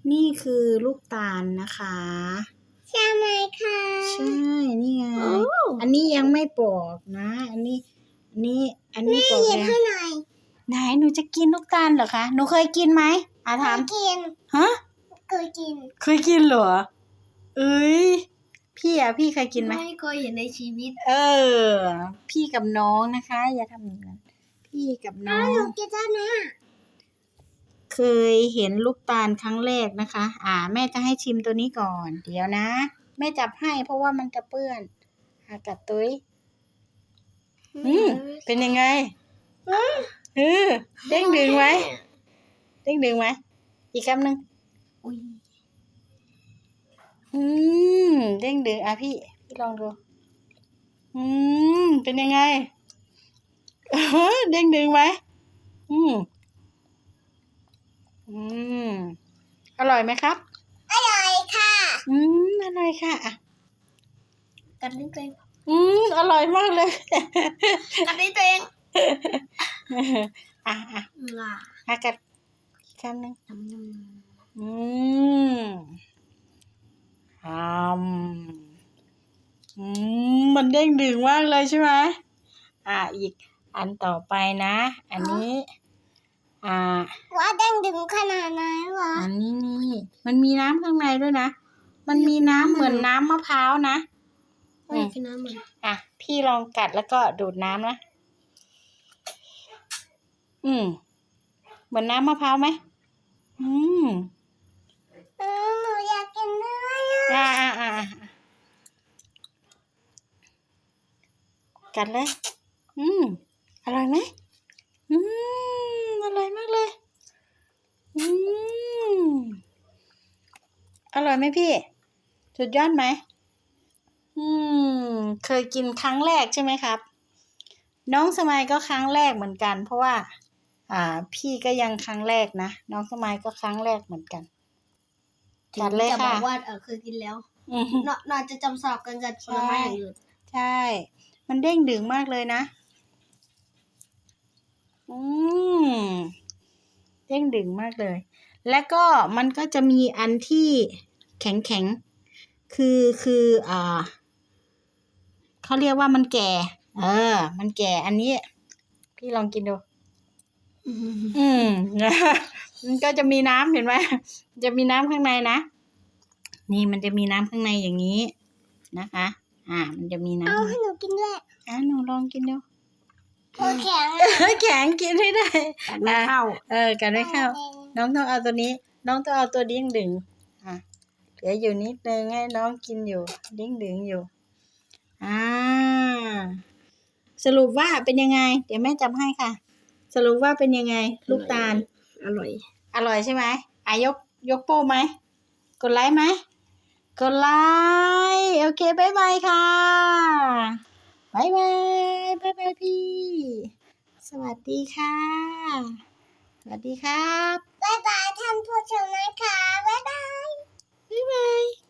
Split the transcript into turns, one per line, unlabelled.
นี่คือลูกตาลนะคะ
ใช่ไหมคะ
ใช่นี่ไงอันนี้ยังไม่ปอกนะอันนี้ปอกแล้ว
ให้หน่อย
ไหนหนูจะกินลูกตาลเหรอคะหนูเคยกินไหมถาม
กิน
ฮะ
เคย
กินเหรอเอ้ยพี่เคยกินไหม
ไม่เคยเห็นในชีวิต
พี่กับน้องนะคะอย่าทำอย่างนั้นพี่กับน้อง
หนูกินได้ไหม
เคยเห็นลูกตาลครั้งแรกนะคะแม่จะให้ชิมตัวนี้ก่อนเดี๋ยวนะแม่จับให้เพราะว่ามันจะเปื้อนกัดตุ้ยเป็นยังไงเด้งดึงไหมอีกคำหนึ่งเด้งดึงพี่ลองดูเป็นยังไงเด้งดึงไหมอร่อยไหมครับ
อร่อยค่ะ
อร่อยค่ะ
กัดลิ้นตัวเอง
อร่อยมากเลย
กัดลิ้นตัวเอง
กัดคำหนึ่งมันเด้งดึงมากเลยใช่ไหมอีกอันต่อไปนะอันนี้
ว่าเด้งดึงขนาดไหนวะ
อันนี้มันมีน้ำข้างในด้วยนะมันมีน้ำเหมือนน้ำมะพร้าวนะ
คือน้ำเหมือน
พี่ลองกัดแล้วก็ดูดน้ำนะเหมือนน้ำมะพร้าวไหม
หนูอยากกินด้วย
กัดเลยอร่อยไหมอร่อยมากเลยอร่อยไหมพี่สุดยอดไหมเคยกินครั้งแรกใช่ไหมครับน้องสมัยก็ครั้งแรกเหมือนกันเพราะว่าพี่ก็ยังครั้งแรกนะน้องสมัยก็ครั้งแรกเหมือนกัน
กัดเลยค่ะบอกว่าเคยกินแล้วน่าจะจำสอบกันกับผลไม้อย่างอื่น
ใช่มันเด้งดึงมากเลยนะเด้งดึงมากเลยแล้วก็มันก็จะมีอันที่แข็งคือเขาเรียกว่ามันแก่มันแก่อันนี้พี่ลองกินดูมันก็จะมีน้ำเห็นไหมจะมีน้ำข้างในนะนี่มันจะมีน้ำข้างในอย่างนี้นะคะมันจะมีน้ำ
ให้หนูกินด้วย
หนูลองกินดู
แข็ง
แข็งกินไม่ได้
กัดไม่เข้า
กัดไม่เข้าน้องต้องเอาตัวนี้น้องต้องเอาตัวดิ้งดึงเหลืออยู่นิดนึงให้น้องกินอยู่ดิ้งดึงอยู่สรุปว่าเป็นยังไงเดี๋ยวแม่จับให้ค่ะสรุปว่าเป็นยังไงลูกตาล
อร่
อยใช่ไหมยกโป้ไหมกดไลค์ไหมกดไลค์โอเคบ๊ายบายค่ะบ๊ายบายพี่สวัสดีค่ะสวัสดีครับ
บ๊ายบายท่านผู้ชมนะคะบ๊ายบาย